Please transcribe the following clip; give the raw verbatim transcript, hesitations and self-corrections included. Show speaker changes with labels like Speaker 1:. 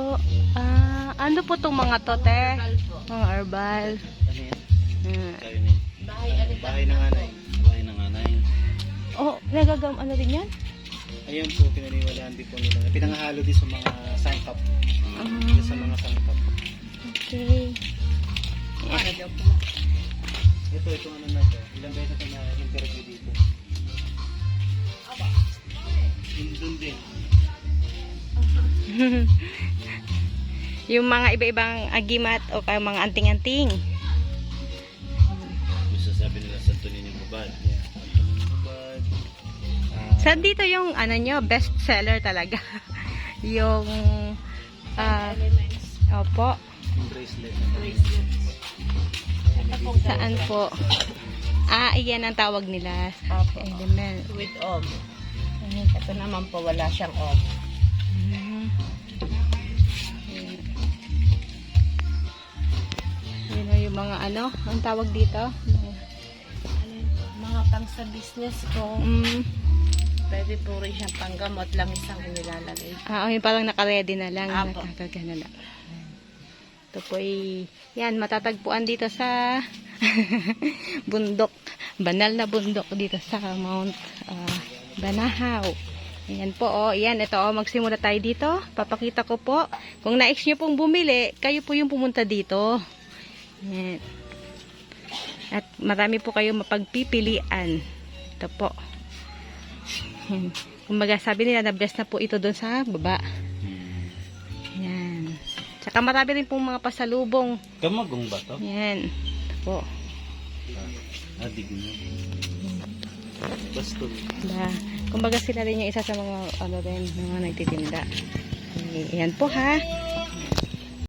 Speaker 1: Ah, ano po itong mga to, te?
Speaker 2: Herbal po.
Speaker 1: Mga herbal.
Speaker 3: Ano yan?
Speaker 1: Hmm.
Speaker 3: Tayo na yan.
Speaker 2: Bahay ano
Speaker 3: Bahay ng anay. Bahay ng anay.
Speaker 1: Oh, nagagam ano din yan?
Speaker 3: Ayun po, pinaniwalaan din po nila. Pinangahalo din sa mga sangkap.
Speaker 1: Ah.
Speaker 3: Sa mga sangkap.
Speaker 1: Okay.
Speaker 2: Para daw po.
Speaker 3: Ito, itong ano na to. Ilang beses na na-interview dito. Yun dun din.
Speaker 1: Yung mga iba-ibang agimat o kaya mga anting-anting.
Speaker 3: Gusto sabi nila sa tunin yung babad. Yeah. Tunin yung babad. Ah,
Speaker 1: Sa dito yung ano nyo, best seller talaga. yung ah
Speaker 2: Elements.
Speaker 1: opo.
Speaker 3: yung bracelet.
Speaker 2: Bracelets. Ito po.
Speaker 1: Saan po? Ah, iyan ang tawag nila.
Speaker 2: Opo.
Speaker 1: Element.
Speaker 2: With om. Ito naman po wala siyang om.
Speaker 1: Mhm. Yun o yung mga ano, ang tawag dito?
Speaker 2: Ano yun po? Mga pang sa business ko.
Speaker 1: Mm.
Speaker 2: Pwede po rin siyang panggamot lang isang inilalagay.
Speaker 1: Ah, oh, yung parang naka-ready na lang.
Speaker 2: Apo.
Speaker 1: Nakakarga na lang. Ito po ay, yan, matatagpuan dito sa bundok. Banal na bundok dito sa Mount ah, Banahaw. Ayan po, oh. Ayan, ito, oh. Magsimula tayo dito. Papakita ko po. Kung nais nyo pong bumili, kayo po yung pumunta dito. Ayan. At marami po kayong mapagpipilian. Ito po. Ayan. Kumbaga, sabi nila, na-bless na po ito doon sa baba. Ayan. Tsaka marami rin pong mga pasalubong.
Speaker 3: Kamagong ba to?
Speaker 1: Ayan. Ito po.
Speaker 3: Ah, dig na. Bastol.
Speaker 1: Da, kumbaga sila rin yung isa sa mga ano rin, mga nagtitinda. Ayan po ha.